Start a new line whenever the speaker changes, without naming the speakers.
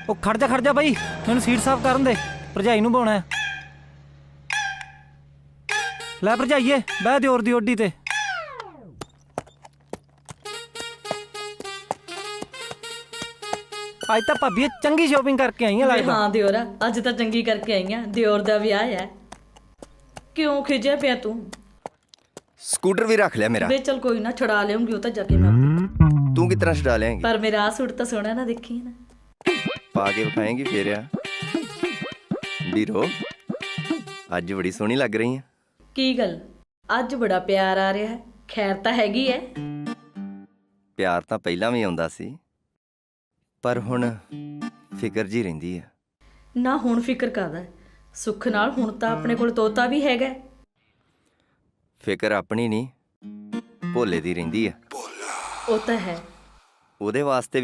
ਉਹ ਖੜ ਜਾ ਬਾਈ, ਮੈਨੂੰ ਸੀਟ ਸਾਫ਼ ਕਰਨ ਦੇ, ਭਰਜਾਈ ਨੂੰ ਬਾਉਣਾ। ਲੈ ਭਰਜਾਈਏ, ਬਹਿ ਦਿਓਰ ਦੀ ਓਡੀ ਤੇ। ਅੱਜ ਤਾਂ ਭਾਬੀ ਚੰਗੀ ਸ਼ੋਪਿੰਗ ਕਰਕੇ ਆਈ ਆ ਲੱਗਦਾ।
ਹਾਂ ਦਿਓਰਾ, ਅੱਜ ਤਾਂ ਚੰਗੀ ਕਰਕੇ ਆਈ ਆ। ਦਿਓਰ ਦਾ ਵਿਆਹ ਹੈ। ਕਿਉਂ ਖਿਜਿਆ ਪਿਆ ਤੂੰ?
ਸਕੂਟਰ ਵੀ ਰੱਖ ਲਿਆ ਮੇਰਾ।
ਵੇ ਚਲ ਕੋਈ ਨਾ, ਛੁਡਾ ਲਿਆਉਂਗੀ ਉਹ ਤਾਂ ਜਾ ਕੇ ਮੈਂ ਆਪੇ।
ਤੂੰ ਕਿਸ ਤਰ੍ਹਾਂ ਛੁਡਾ ਲਿਆਂਗੀ?
ਪਰ ਮੇਰਾ ਆਹ ਸੂਟ ਤਾਂ ਸੋਹਣਾ ਨਾ, ਦੇਖੀ ਨਾ
ਪਾ ਕੇ ਵਿਖਾਏਂਗੀ ਫੇਰ ਆ। ਵੀਰੋ, ਅੱਜ ਬੜੀ ਸੋਹਣੀ ਲੱਗ ਰਹੀ ਆ।
ਕੀ ਗੱਲ, ਅੱਜ ਬੜਾ ਪਿਆਰ ਆ ਰਿਹਾ ਹੈ? ਖੈਰ ਤਾਂ ਹੈਗੀ ਐ।
ਪਿਆਰ ਤਾਂ ਪਹਿਲਾਂ ਵੀ ਆਉਂਦਾ ਸੀ, ਪਰ ਹੁਣ ਫਿਕਰ ਜੀ ਰਹਿੰਦੀ ਆ।
ਨਾ ਹੁਣ ਫਿਕਰ ਕਾਹਦਾ? ਸੁੱਖ ਨਾਲ ਹੁਣ ਤਾਂ ਆਪਣੇ ਕੋਲ ਤੋਤਾ ਵੀ ਹੈਗਾ।
ਫਿਕਰ ਆਪਣੀ ਨਹੀਂ, ਭੋਲੇ ਦੀ ਰਹਿੰਦੀ ਆ।
ਉਹ ਤਾਂ ਹੈ।
ਉਹਦੇ ਵਾਸਤੇ